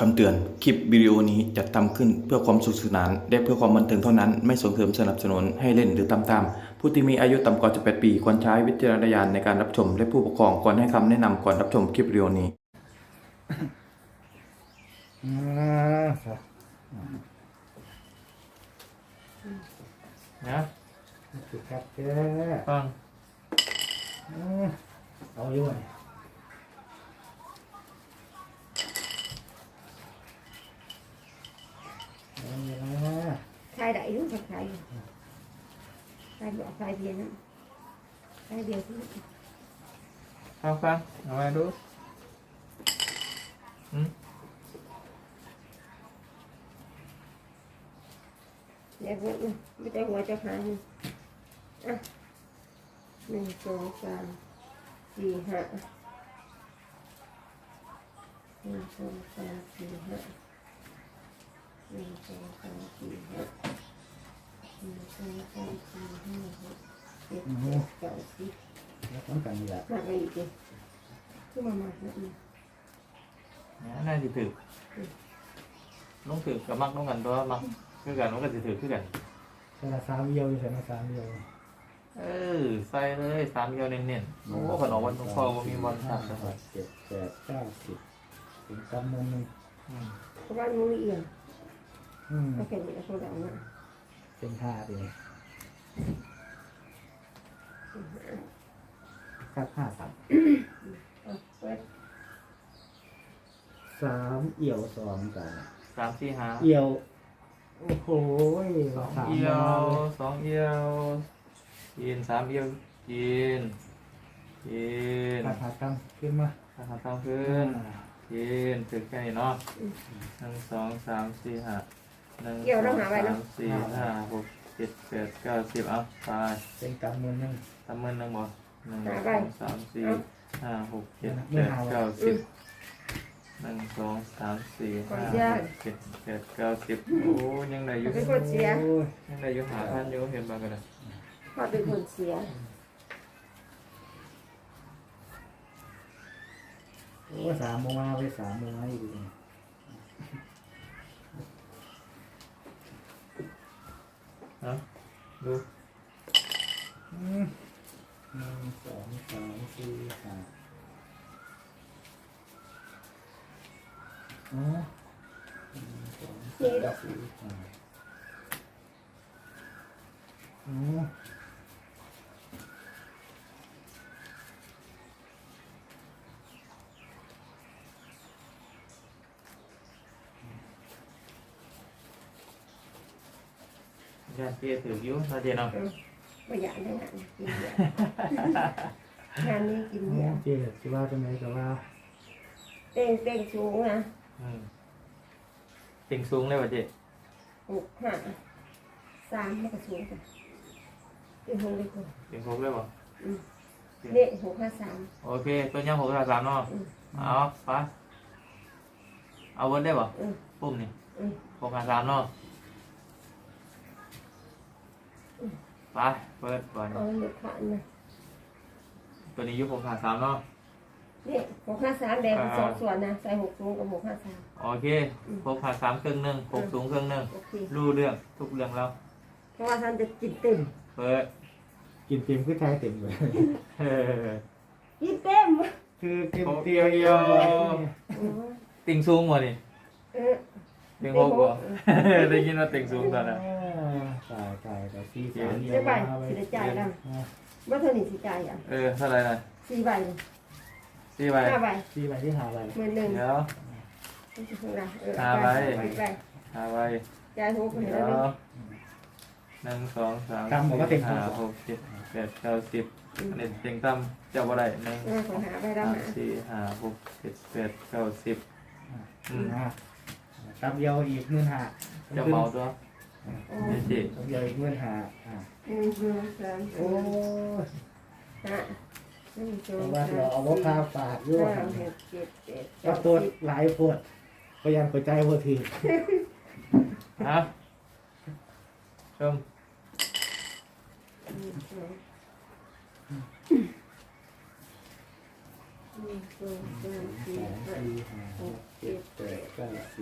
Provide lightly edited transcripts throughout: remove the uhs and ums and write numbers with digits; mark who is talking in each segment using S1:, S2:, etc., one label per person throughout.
S1: คำเตือน คลิปวิดีโอนี้จัดทำขึ้นเพื่อความสนุกสนานและเพื่อความบันเทิงเท่านั้น ไม่ส่งเสริมสนับสนุนให้เล่นหรือตามตามผู้ที่มีอายุต่ำกว่า18 ปีควรใช้วิจารณญาณในการรับชมและผู้ปกครองควรให้คำแนะนำก่อนรับชมคลิปวิดีโอนี้
S2: ครับ
S3: นะ
S2: สุดครับแก
S3: ฟัง
S2: เอาอยู่ไงเอาอยู่นะ
S4: khai đẩy đúng thật khai bỏ khai tiền á khai điều thứ
S3: ฟังเอาไว้ดูอืม
S4: đẹp lắm nè bây giờ ngồi cho khai nè à 1 2 3 4 5 1 2 3 4 5 1 2 3 4 5 1 2 3 4 5 6 7 8 9 10
S2: แล้วต้องกันนี่แหละ
S4: mặc gì kìa cứ mà mặc nữa nè
S3: เนี่ยน่าจะถือน้องถือกับมักน้องกันตัวมักคือกันน้องกันจะถือคือกัน
S2: ใส่ละสามเอียวอยู่ใส่ละสามเอียว
S3: ใส่เลย3เดียวเน้นๆโอ้ขนมวันทุกข้อว่ามีวันตัดนะค
S2: ห
S3: รับ
S2: กเจ็ดแปดเก้าสิบถึงกำมือหนึ่ง
S4: các bạn mua gì à
S2: อืม
S4: các cái gì là không đậu nữa
S2: เป็นห้าดีครับ53
S4: quét
S2: สามเอี่ยวสองกัน
S3: 3 4 5
S2: เอี่ยวโอ้โห
S3: 2
S2: สาม
S3: เอีย
S2: มาว เลย
S3: 2 เอียวกิน3 เอียวกิน
S2: ขาดตั้งขึ้นมา
S3: ทำตั้งขึ้นกินถึงแค่นี้เนาะ1 2 3 4 5 1 2 3 4 5 6 7 8 9 10เอาไป
S2: เป็นกำมือหนึ่ง
S3: ทำมือหนึ่งบ่1 2 3 4 5 6 7 8 9 10 1 2 3 4 5 6 7 8 9 10โอ้ยังได้อยู่
S4: cái con xé
S2: โอ้ย
S3: ยังได้อยู่หาพันอยู่เห็นบ้างกันเลย
S4: họ bị con xé
S2: โอ้ย3 โมงมาไป3 โมงมาอยู่ดี
S3: นะดู
S2: 1 2 3 4 5อ๋อ1 2 3 4 5อ๋อ
S3: ยันเตี้ยถืออยู่นาเจนเอา
S4: bây giờ đây hạn kinh nghiệm hạn đi kinh nghiệm
S2: เจ๊สิว่าจังไดก็ว่า
S4: tên tên xuống nè
S3: ติ่งสูงเลยว่ะเจ๊
S4: 1 2 3 nó có xuống rồi tên không đi cùng
S3: ติ่งสูงเลยบ่
S4: đệ 1 2 3
S3: โอเคตัวย่ำ6 3เนาะเอาไปเอาเวิร์ดได้บ่ปุ่มนี่6 3เนาะไปเปิดก่อน
S4: ở được hạn này
S3: ตัวนี้ยุค6 3เนาะ
S4: đệ 1 2 3 đẹp sổ xuẩn nè xài 6 xuống có 1 2 3
S3: โอเค6 3ครึ่งหนึ่ง6สูงครึ่งหนึ่ง
S4: ok
S3: รู้เรื่องทุกเรื่องแล้ว
S4: เพราะว่าท่านจะกินเต็ม
S3: เปิด
S2: กินเต็มคือไทยเต็มเลย
S3: เออ
S4: กินเต็ม
S2: คือกิน
S3: โอ้
S2: เตียว
S3: เดี
S2: เดี
S3: ย
S2: ยว ว
S3: ติ่งสูงบ่นี่
S4: เออ
S3: ติ่ง6บ่ ได้ยินว่าติ่งสูงตอนนั้น
S2: ตายแต่ที่สาม
S4: จะไปสิได้จ่ายแล้วว่าเท่านี้สิจ่ายอ่ะ
S3: เท่าไหร่นะ
S4: 4 ใบ
S3: 4 ใบ
S4: 5 ใบ
S2: ที่ไปที่หาอะไร
S4: 11,000
S3: เดี๋ยว
S4: ไม่ใช่ของเรา
S3: 5 ใบ
S4: ใบ
S3: 5 ใบ
S4: จ่าย6คน
S3: เดี๋
S4: แล้
S3: ยว ว
S4: นี่
S3: 1 2 3 4 5 6 7 8 9 10อันนี้ติ่งต่ำเจ้าบ่ได้1
S4: ของหาไปแล้ว
S3: 3
S4: หา
S3: 4 5 6 7 8 9 10
S2: ตับเดียวอีกเงินหา
S3: เจ้าเมาตัวนี่สิ
S2: ตับเดียวอีกเงินหา
S4: 1 2 3
S2: โอ้
S4: 4 5
S2: แต่ว่าเราเอาว่าพาปาดด้วย
S4: 5 6 7 8
S2: ก็ตัวหลายปวดพยายามกดใจพอที
S3: ฮะชม
S4: 1 2 3 4 5
S2: 4 5 6 7 8 9 10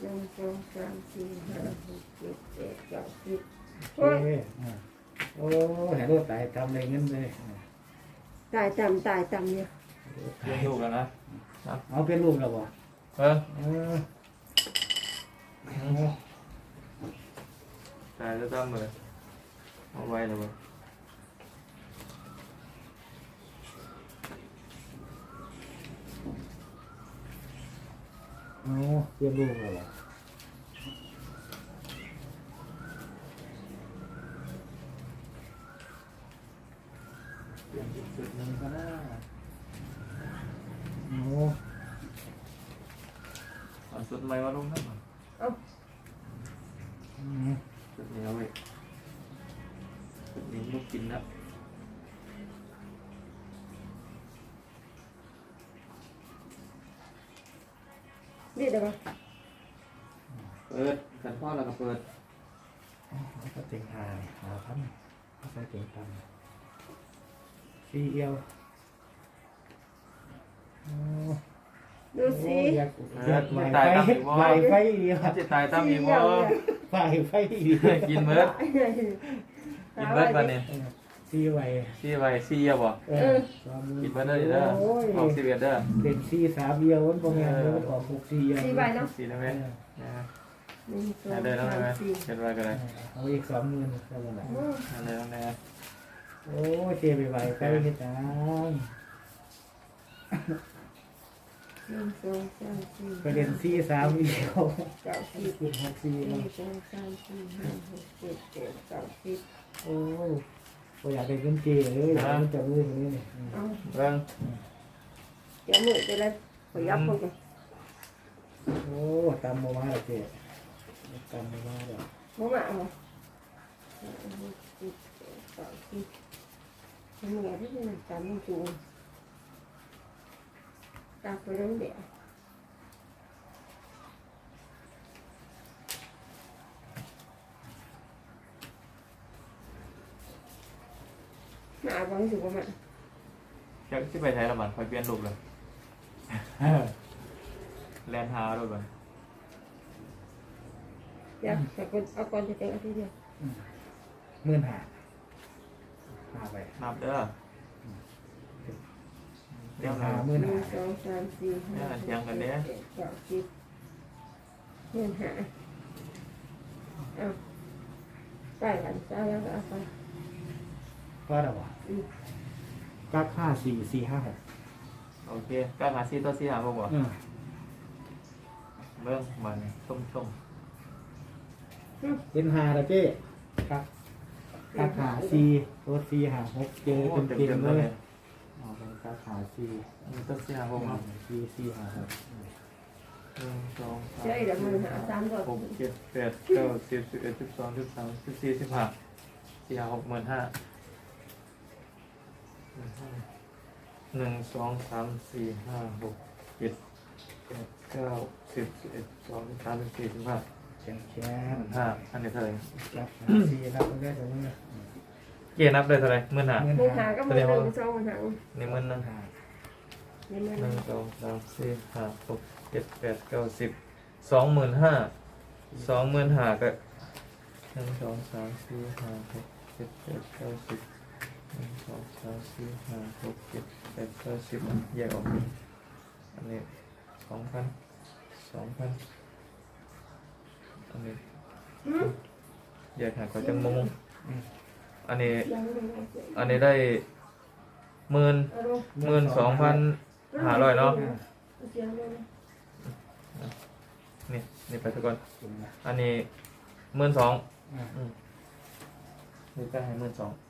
S4: หนึ่งสองสามสี่ห้าหกเจ็ดแปดเก้าสิบ
S2: โอเคโอ้เห็นรถตายทำอะไรเงินเลย
S4: ตายต่ำเนี่ย
S3: เลี้ยงลูกแล้วนะ
S2: เอาเป็นรูปแล้วบ่
S3: เออ
S2: เออ
S3: ตายจะตั้มเลยเอาไว้เลยบ่
S2: เอาเป็นรูปแล้วบ่
S3: เปลี่ยนอีกจุดหนึ่งก็ได้
S2: เอา
S3: เอาสุดใหม่มาลงนะ
S2: อืม
S3: จุดนี้เอาไว้จุดนี้ลูกกินนะ
S4: นี่เดี๋ยวก่อน
S3: เปิดกันพ่อแล้วก็เปิด
S2: ก็เต็งหาพันก็ใส่เต็งตันซีเอียวโอ้
S4: ดูสิ
S2: อยากไหวไฟเดียว
S3: ถ้าจะตายตั้มมีบ่
S2: ไหวไฟเดียว
S3: กินเบิร์ดกินเบิร์ดวันนี้
S2: ซีไหว
S3: ซี่ไว้ซี่เยอะบ่ กินเบิร์ดเด้อเด้อออก11เด้อ
S2: เด็กซีสามเดียวมันบ่แม่นเลยมันออก6ซีเดียว
S4: สี่ใบเนาะ
S3: ซี่ได้ไหม
S4: หนึ่งสอง
S3: ได้แล้ว
S4: สา
S3: ได้ไหม
S4: มสี่
S3: เห็นไว้ก็ได้
S2: เอาอีก20,000ก็บ่ได้
S3: ได้แล้วแน่
S2: โอ้เทไปไหวไปเฮ็ดจัง
S4: หนึ่งสองสามสี่
S2: ประเด็นซีสามเดียว
S4: เก้าสิบ
S2: ขึ้น6ซี
S4: ห
S2: แล้
S4: นึ่
S2: ว
S4: งสองสามสี่ห้าหกเจ็ดแปดเก้าสิบ
S2: โอ้บ่อยากได้เงินเจเลยมันจะรู้คนนี้นี่
S4: เอา
S3: เบิ่ง
S4: เดี๋ยวมือจะได้ขยับคนกัน
S2: โอ้ตำบ่มาแล้วเจตำบ่มาแล้ว
S4: บ่มาเอาห้าหกเจ็ดแปดเก้าสิบทำไงที่มันตามมันจูงตามไปเรื่องเดียวมาบางสุกมา
S3: อยากสิไปใช้ละมันคอยเปลี่ยนรูปเลยแลนหาด้วยบ่
S4: อยากแต่คนเอาก่อนจะเจออาทิตย์เดียว
S2: 15,000หาไป
S3: นับเด้อ
S2: เดี๋ยว
S4: หนึ่ง
S2: 50,000
S4: สองสามสี่ห้าหกเจ็ดแปดเก้าสิบเงินหาเอาไปกันเจ้าแล้วก็เอาไป
S2: ก็ได้บ่กัก54456
S3: โอเคก็หาซี่ตัวซี่หาบ่บ่
S2: อือ
S3: เบิ่งมันชม
S2: เป็น5แล้วเจ้กัก54ตัว456เจอ
S3: โอ้
S2: เต็ม
S3: เต็ม
S2: ๆ
S3: ๆ
S2: เล
S3: เลย ย
S2: เอาไปกัก54
S3: มีตัวซี่หาบ่เนาะ
S2: 456
S3: 1 2 3
S4: เจ้าอีกเดี๋ยวมือหาสามก่อน
S3: 6 7 8 9 10 11 12 13 14 15 4 5 6 15,000 1 2 3 4 5 6 7 8 9 10 11 12 13 14 15
S2: แข็ง
S3: 15,000อันนี้เท่าไหร่
S2: รับ4รับได้ตรงนี้
S3: เกียร์นับได้เท่าไหร่15,000
S4: มือหาก็มือหนึ่งสองมือหา
S3: นี่มันนึง
S4: เงิน
S3: ห
S4: มั
S3: นึ่
S4: น
S3: งสองสามสี่ห้าหกเจ็ดแปดเก้าสิบ25,000ก็1 2 3 4 5 6 7 8 9 10 1 2 3 4 5 6 7 8 9 10แยกออกอันนี้2,000อันนี้แยกหาก็จังมงอันนี้ได้12,500เนาะนี่ไปทุกคนอันนี้12,000นี่ก็ให้12,000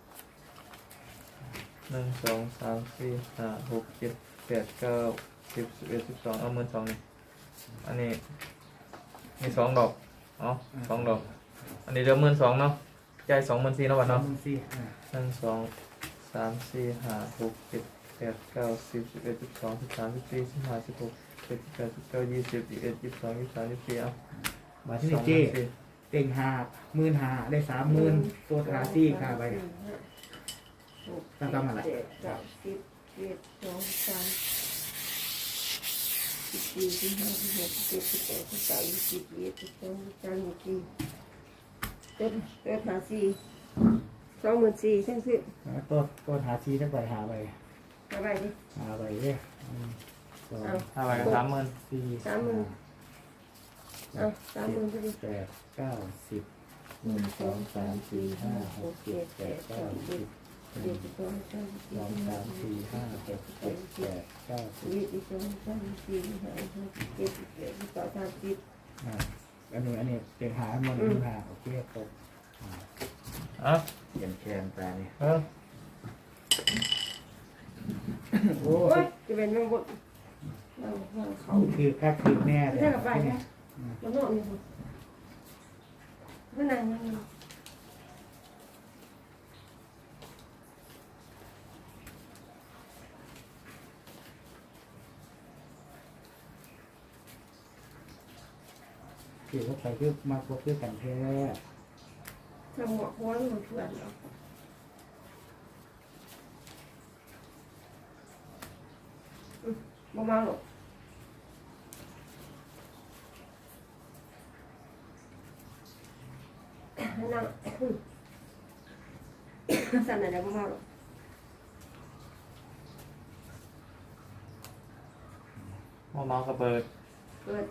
S3: 1 2 3 4 5 6 7 8 9 10 11 12เอา12,000นี่อันนี้มี2ดอกอ๋อ2ดอกอันนี้เดี๋ยว12,000เนาะจ่าย24,000เนาะบัดเนาะ 1 2 3 4 5 6 7 8 9 10 11 12 13 14 15 16 17 18 19 20 21 22 23 24เอา
S2: มาที่นี่เจ้เต็ง15,000ได้30,000ตัวขาซี่ขาไป
S4: ตั้งกำอะไรเจ็ดเก้าสิบเจ็ดสองสาม 14 15 16 17 18 19 20 21 22 23 24เติมหา4 24,000ทั้งสิ้น
S2: ตัวหาซีทั้งใบหาใบ
S4: เอาไปดิ
S2: หาใบเนี่ยสอง
S3: 5ใบก็30,000
S2: สี่
S4: 30,000เอา30,000พอดี
S2: แปดเก้าสิบหนึ่งสองสามสี่ห้าหกเจ็ดแปดเก้าสิบหนึ่งสองสามสี่ห้าหกเจ็ดแปดเก้าสิบ อ่าอันนี้เต็งหามันหนึ่งหาโอเคครบ
S3: อ่ะ
S2: เปลี่ยนแคนไปนี่
S3: เออ
S2: โอ้
S4: โอ้ยจะเป็นมังบดเขา
S2: คือคักคือแน่เลย
S4: ถ้ากับไปนะมันนอนอยู่มันนั่งนั่ง
S2: คือว่าใครคือมาพบด้วยกันแท้
S4: ทำหมวกหัวมันเถื่อนเนาะมาหรอกนั่งสั่นอะไรมาหรอก
S3: เมากับเบิด
S4: เกิด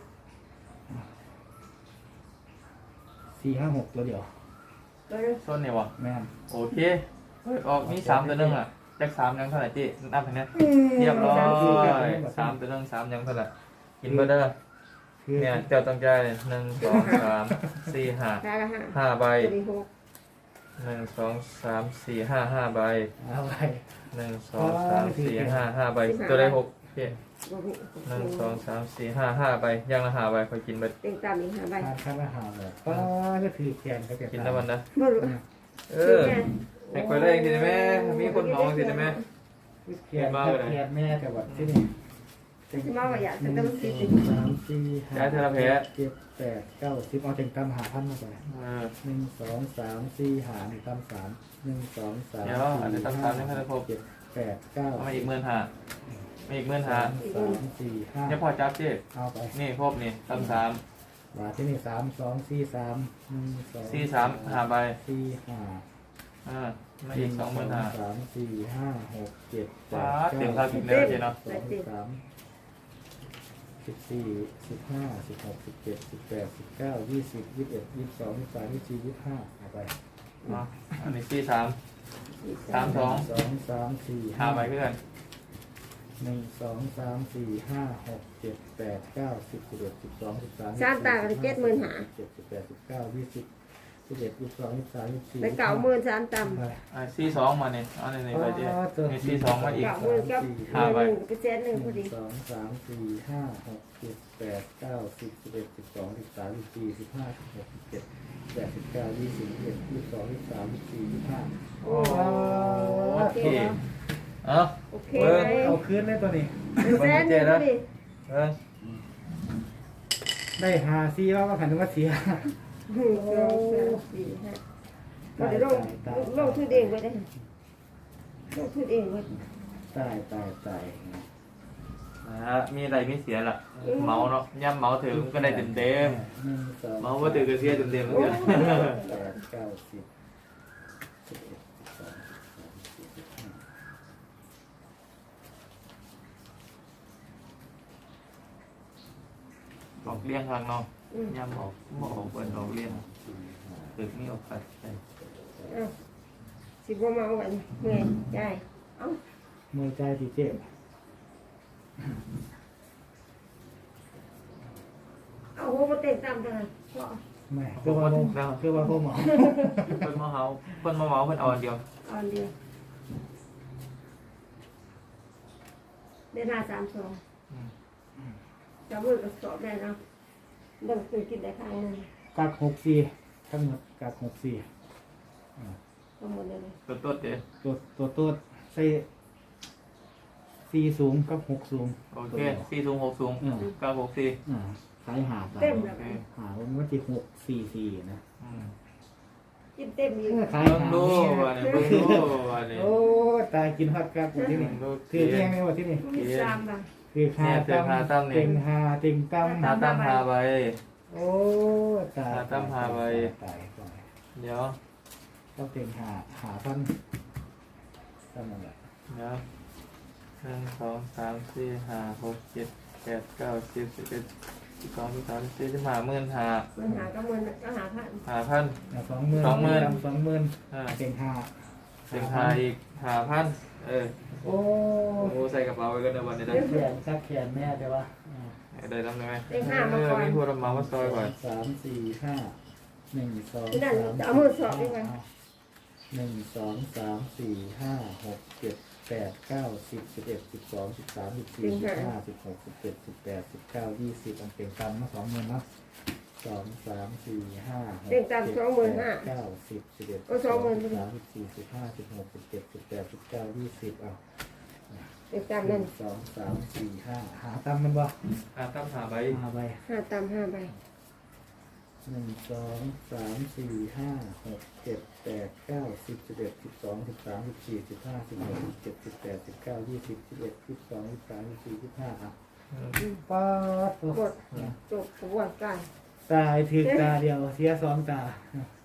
S2: สี่ห้าหกตัวเดียว
S4: เกิด
S3: ส้นเนี่ยวะ
S2: แม่น
S3: โอเคเฮ้ยออกมี3ตัวนึงอ่ะแจ็ค3ยังเท่าไหร่จีนับให้เนี่ยเรียบร้อย3ตัวนึง3ยังเท่าไหร่กินเบอร์เดอร์
S2: คือ
S3: เนี่ยเจ้าต้องใจ1 2 3 4
S4: ได้ละห้า
S3: 5 5ใบ
S4: ตัวนี้หก
S3: 1 2 3 4 5 5ใบ
S2: เอาไป
S3: 1 2 3 4 5 5ใบตัวได้6โอเค
S4: บ่มี
S3: 1 2 3 4 5 5ใบยังละ5ใบคอยกินเบิด
S4: เต็งตามอีกห้าใบ
S2: ทานข้าวอาหารเลยป้าก็ถือแขนก็จะ
S3: กินได้วันนะ
S4: บ่รู้
S3: เออให้คอยได้จริงๆไหมมีคนเหมาจริงๆไหม
S2: แขนก็แขนแม่แต่ว่าที่นี่
S4: ที่มาว่าอยาก
S2: ห
S4: จะ
S2: นึ่
S4: ต้อง
S2: ง
S4: คิด
S2: สองสามสี่ห้าเจ็ดแปดเก้าสิบเอาเต็งตำหาพันมาไป
S3: เออ
S2: หนึ่งสองสามสี่หาหนึ่งตำสามหนึ่งสองสาม
S3: เดี๋ยวอันนี้ตำสามยังไม่ได้ครบ
S2: เจ็ดแปดเก้า
S3: เอามาอีก15,000มาอีก15,000
S2: สามสี่ห้า
S3: เนี่ยพอจับเจ๊
S2: เอาไป
S3: นี่ครบนี่ตำสาม
S2: ว่าที่นี่3 2 4 3 1 2
S3: สี่สามหาใบ
S2: 4 5
S3: มาอีก25,000
S2: 3 4 5 6 7
S3: ว้า
S2: 8
S3: เต็ม
S2: 9
S3: ค่ากินแล้วเจ๊เนาะ
S2: 14 15 16 17 18 19 20 21 22 23 24 25เอาไป
S3: เนาะอันนี้43 32
S2: 2 3 4
S3: หาใบ
S2: 5
S3: เพื่อน
S2: 1 2 3 4 5 6 7 8 9 10 11 12 13
S4: สามตากัน70,000หา
S2: 17 18 19 20 21 22 23 24
S4: ไปเก่ามื่นสามตำ
S2: ไป
S3: 42มาเนี่ยเอาในนี้ไปเจ๊นี่42มาอีก
S4: เก่ามื่นกับ
S3: ห้าใบ
S4: 1%หนึ่งพอดี
S2: 1 2 3 4 5 6 7 8 9 10 11 12 13 14 15 16 17 18 19 20 21 22 23 24 25
S3: โอ้โอเคเอ้า
S4: โอเค
S3: เออ
S4: เลย
S2: เอาคืนได้ตัวนี้
S4: 1%หนึ่งพอดี
S3: เออ
S2: ได้หาซีว่าขันนึกว่าเสีย
S4: 1 2 3 4 5ก็เดี๋ยวลงทุนเองไว้ได้ลงทุนเองไว้
S2: ตาย
S3: มีอะไรมีเสียล่ะเมาเนาะย่ำเมาถึงก็ได้เต็ม
S2: 1 2
S3: เมาว่าถือก็เสียเต็มเหมือนกัน
S2: 8 9 10
S3: ออกเลี้ยงข้างนอกย่ำออกหมออกเปิดออกเลี้ยงถึงนี่ออกไป
S4: เอาสิบ่มาเอาไว้เมื่อยใจเอา
S2: มือใจดีเจ็บ
S4: เอาหัวมาเต็งตามกันพอ
S2: ไม่คือว่าพ่อหมอ
S3: เพิ่นมาเฮาเพิ่นมาเมาเพิ่นเอาอันเดียว
S4: เอาอันเดียวเดือนหน้า32จะมือกับสอบได้เนาะเบิ่งคือกินได้ครั้งหนึง
S2: กัก64ทั้งหมดกัก64
S4: ทั้งหมดเลย
S3: ตัวเด้
S2: ตัวใส่4สูงกับ6สูง
S3: โอเค4สูง6สูง964
S2: ขายหา
S4: เต็มแล้ว
S2: หาวันที่644นะ
S4: กินเต็มอยู่
S2: ขาย
S3: เบิ่ง
S2: หา
S3: ดูว่านี่เบิ่งดูว่านี่
S2: โอ้ตายกินฮอดกักที่นี่คือเที่ยงไหมวะที่นี่
S4: มี3บาท
S2: คือหา
S3: เนี่ยคือหาตั้มเนี่ย
S2: เต็งหาเต็งตั้ม
S3: หาตั้มหาใบ
S2: โอ้ตาย
S3: หาตั้มหาใบ
S2: ตายตาย
S3: เดี๋ยว
S2: ต้องเต็งหาพันตั้มนั่นแหละ
S3: เดี๋ยวหนึ่งสองสามสี่ห้าหกเจ็ดแปดเก้าสิบสิบเอ็ดสิบสองสิบสามสิบสี่สิบห้าหมื่นห้า
S4: มันหาก็มันก็หาพัน
S3: 5,000
S2: เอา20,000
S3: 20,000
S2: 20,000
S3: อ่า
S2: เต็งหา
S3: เต็งหาอีก5,000
S2: โอ้
S3: โอ้ใส่กระเป๋าไว้กันในวันนี้ได้
S2: แขนซักแขนแม่แต่ว่า
S3: ได้ทำได้ไหม
S4: เต็งห้ามาก่อน
S3: มีผู้รับเหมามาซอยก่อน
S2: 3 4 5 1 2
S4: นั่น
S2: 3
S4: เอามือสอบดีกว่า
S2: 1 2 3 4 5 6 7 8 9 10 11 12 13 14 15 16 17 18 19 20อันเต็งตำมา20,000เนาะ2 3 4 5 6
S4: เต็งตาม
S2: 7
S4: 25,000
S2: 8 9 10 11
S4: ก็20,000
S2: 13 14 15 16 17 18 19 20เอา
S4: เต็งตาม
S2: ห
S4: นั่
S2: นึ่
S4: น
S2: งสองสามสี่ห้าหาตำมันบ่
S3: ตั้มหาใบ
S2: หาใบ
S4: ห้าตามห้าใบ
S2: 1 2 3 4 5 6 7 8 9 10 11 12 13 14 15 16 17 18 19 20 21 22 23 24 25อ่ะป๊าด
S4: หมดจบกระบวนการ
S2: ตายถือตาเดียวเสียสองตา